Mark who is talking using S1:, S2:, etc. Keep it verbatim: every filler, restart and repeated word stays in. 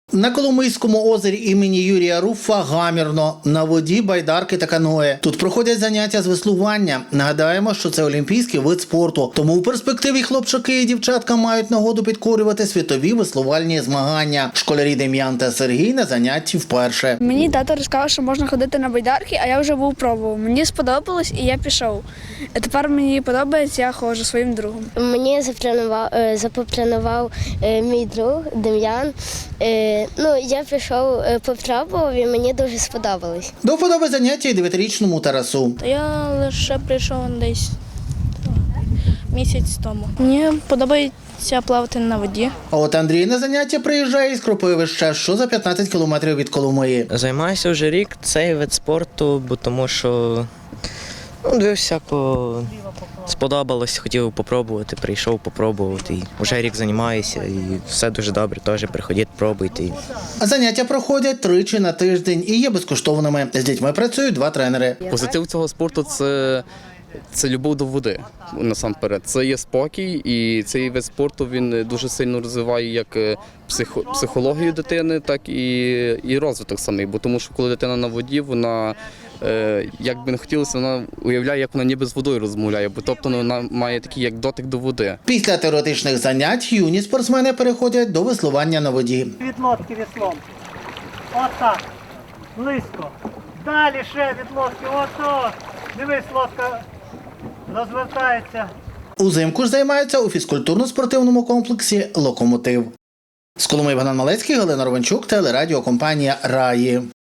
S1: На Коломийському озері імені Юрія Руфа гамірно, на воді байдарки та каное. Тут проходять заняття з веслування. Нагадаємо, що це олімпійський вид спорту, тому у перспективі хлопчаки і дівчатка мають нагоду підкорювати світові веслувальні змагання. Школярі Дем'ян та Сергій на занятті вперше.
S2: Мені тато розказав, що можна ходити на байдарки, а я вже був пробував. Мені сподобалось і я пішов. А тепер мені подобається, я ходжу своїм другом.
S3: Мені запропонував, запропонував мій друг Дем'ян. Ну, я пішов, попробував і мені дуже сподобалось.
S1: До вподоби заняття і дев'ятирічному Тарасу.
S4: Я лише прийшов десь місяць тому. Мені подобається плавати на воді.
S1: А от Андрій на заняття приїжджає із Кропивища, що за п'ятнадцять кілометрів від Коломиї.
S5: Займаюся вже рік цей вид спорту, бо тому що ну, дивився, по... сподобалось, хотів попробувати, прийшов попробувати. І вже рік займаюся і все дуже добре, теж приходіть, пробуйте.
S1: А заняття проходять тричі на тиждень і є безкоштовними. З дітьми працюють два тренери.
S6: Позитив цього спорту – це, це любов до води, насамперед. Це є спокій, і цей вид спорту він дуже сильно розвиває як психо, психологію дитини, так і, і розвиток самий. Бо тому що коли дитина на воді, вона, е, як би не хотілося, вона уявляє, як вона ніби з водою розмовляє, бо тобто вона має такий як дотик до води.
S1: Після теоретичних занять юні спортсмени переходять до веслування на воді.
S7: Від лодки веслом. Отак. Близько. Далі ще від лодки. Ото. Дивись, лодка розвертається.
S1: Узимку ж займаються у фізкультурно-спортивному комплексі «Локомотив». З Коломиї Богдан Малецький, Галина Ровенчук, телерадіокомпанія «Раї».